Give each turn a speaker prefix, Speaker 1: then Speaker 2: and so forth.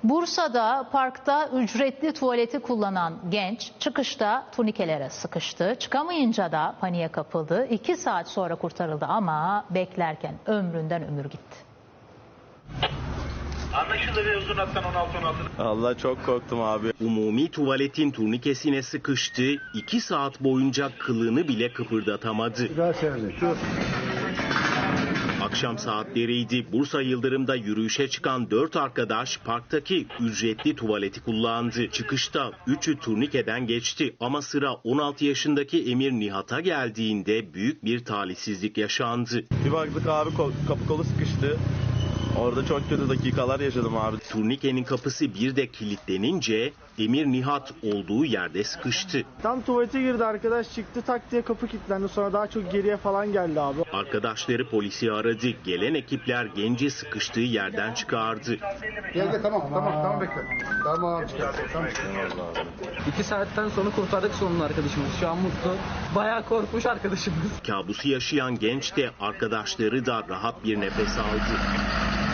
Speaker 1: Bursa'da parkta ücretli tuvaleti kullanan genç çıkışta turnikelere sıkıştı. Çıkamayınca da paniğe kapıldı. 2 saat sonra kurtarıldı ama beklerken ömründen ömür gitti.
Speaker 2: Anlaşıldı ve uzun hattan 16-16.
Speaker 3: Allah çok korktum abi.
Speaker 4: Umumi tuvaletin turnikesine sıkıştı. 2 saat boyunca kılını bile kıpırdatamadı. Akşam saatleriydi. Bursa Yıldırım'da yürüyüşe çıkan 4 arkadaş parktaki ücretli tuvaleti kullandı. Çıkışta 3'ü turnikeden geçti ama sıra 16 yaşındaki Emir Nihat'a geldiğinde büyük bir talihsizlik yaşandı.
Speaker 3: Bir baktık abi kapı kolu sıkıştı. Orada çok kötü dakikalar yaşadım abi.
Speaker 4: Turnikenin kapısı bir de kilitlenince Emir Nihat olduğu yerde sıkıştı.
Speaker 5: Tam tuvalete girdi, arkadaş çıktı, tak diye kapı kilitlendi. Sonra daha çok geriye falan geldi abi.
Speaker 4: Arkadaşları polisi aradı. Gelen ekipler genci sıkıştığı yerden çıkardı.
Speaker 6: Gel tamam bekle. Tamam çıkar.
Speaker 7: 2 saatten sonra kurtardık sonunda arkadaşımız. Şu an mutlu. Bayağı korkmuş arkadaşımız.
Speaker 4: Kabusu yaşayan genç de arkadaşları da rahat bir nefes aldı.